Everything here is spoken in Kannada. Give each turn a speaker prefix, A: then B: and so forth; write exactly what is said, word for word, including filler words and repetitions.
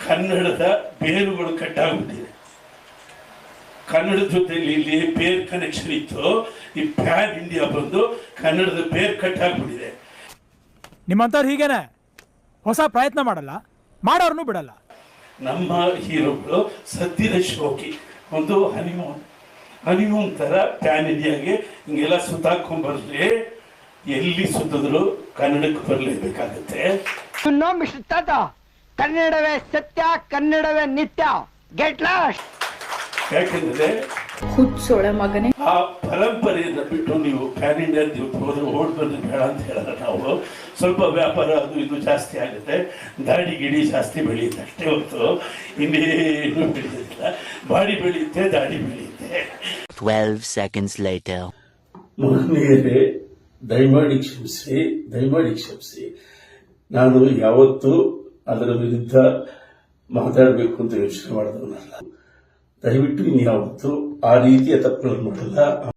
A: ಕನ್ನಡದ ಬೇರುಗಳು ಕಟ್ಟಾಗ್ಬಿಟ್ಟಿದೆ. ಕನ್ನಡದ ಜೊತೆಲಿ ಇಲ್ಲಿ ಬೇರ್ ಕನೆಕ್ಷನ್ ಇತ್ತು, ಈ ಪ್ಯಾನ್ ಇಂಡಿಯಾ ಬಂದು ಕನ್ನಡದ ಬೇರ್ ಕಟ್ಟಾಗ್ಬಿಟ್ಟಿದೆ.
B: ನಿಮ್ಮಂತವ್ರು ಹೀಗೇನೆ ಹೊಸ ಪ್ರಯತ್ನ ಮಾಡಲ್ಲ, ಮಾಡೋರ್ನು ಬಿಡಲ್ಲ.
A: ನಮ್ಮ ಹೀರೋಗಳು ಸದ್ಯದ ಶೋಕಿ ಒಂದು ಹನಿಮೂನ್ ಹನಿಮೂನ್ ತರ ಪ್ಯಾನ್ ಇಂಡಿಯಾಗೆ ಹಿಂಗೆಲ್ಲ ಸುತ್ತಾಕೊಂಡ್ ಬರ್ಲಿ, ಎಲ್ಲಿ ಸುತ್ತಿದ್ರು ಕನ್ನಡಕ್ಕೆ ಬರಲೇಬೇಕಾಗುತ್ತೆ.
C: ಕನ್ನಡವೇ ಸತ್ಯ, ಕನ್ನಡವೇ ನಿತ್ಯ. Get lost.
A: ಯಾಕೆಂದ್ರೆ
D: ಹುಚ್ಚೋಳೆ ಮಗನೇ,
A: ಆ ಪರಂಪರೆಯನ್ನ ಬಿಟ್ಟು ನೀವು ಪ್ಯಾನ್ ಇಂಡಿಯಾ ಹೋದ್ರೆ ಓಡ್ ಬಂದ್ರೆ ಬೇಡ ಅಂತ ಹೇಳಿದ್ರೆ ನಾವು ಸ್ವಲ್ಪ ವ್ಯಾಪಾರ ಅದು ಇದು ಜಾಸ್ತಿ ಆಗುತ್ತೆ, ದಾಡಿ ಗಿಡಿ ಜಾಸ್ತಿ ಬೆಳೆಯುತ್ತೆ ಅಷ್ಟೇ ಹೊತ್ತು ಇನ್ನೇನು ಬೆಳೆಯುತ್ತಿಲ್ಲ. ಬಾಡಿ ಬೆಳೆಯುತ್ತೆ, ದಾಡಿ ಬೆಳೆಯುತ್ತೆ.
E: Twelve seconds litre.
A: ಮಹನೀಯರೇ, ದಯಮಾಡಿ ಕ್ಷಮಿಸಿ, ದಯಮಾಡಿ ಕ್ಷಮಿಸಿ. ನಾನು ಯಾವತ್ತೂ ಅದರ ವಿರುದ್ಧ ಮಾತಾಡಬೇಕು ಅಂತ ಯೋಚನೆ ಮಾಡಿದವನಲ್ಲ. ದಯವಿಟ್ಟು ಇನ್ಯಾವತ್ತೂ ಆ ರೀತಿಯ ತಪ್ಪುಗಳನ್ನು ಮಾಡಲ್ಲ.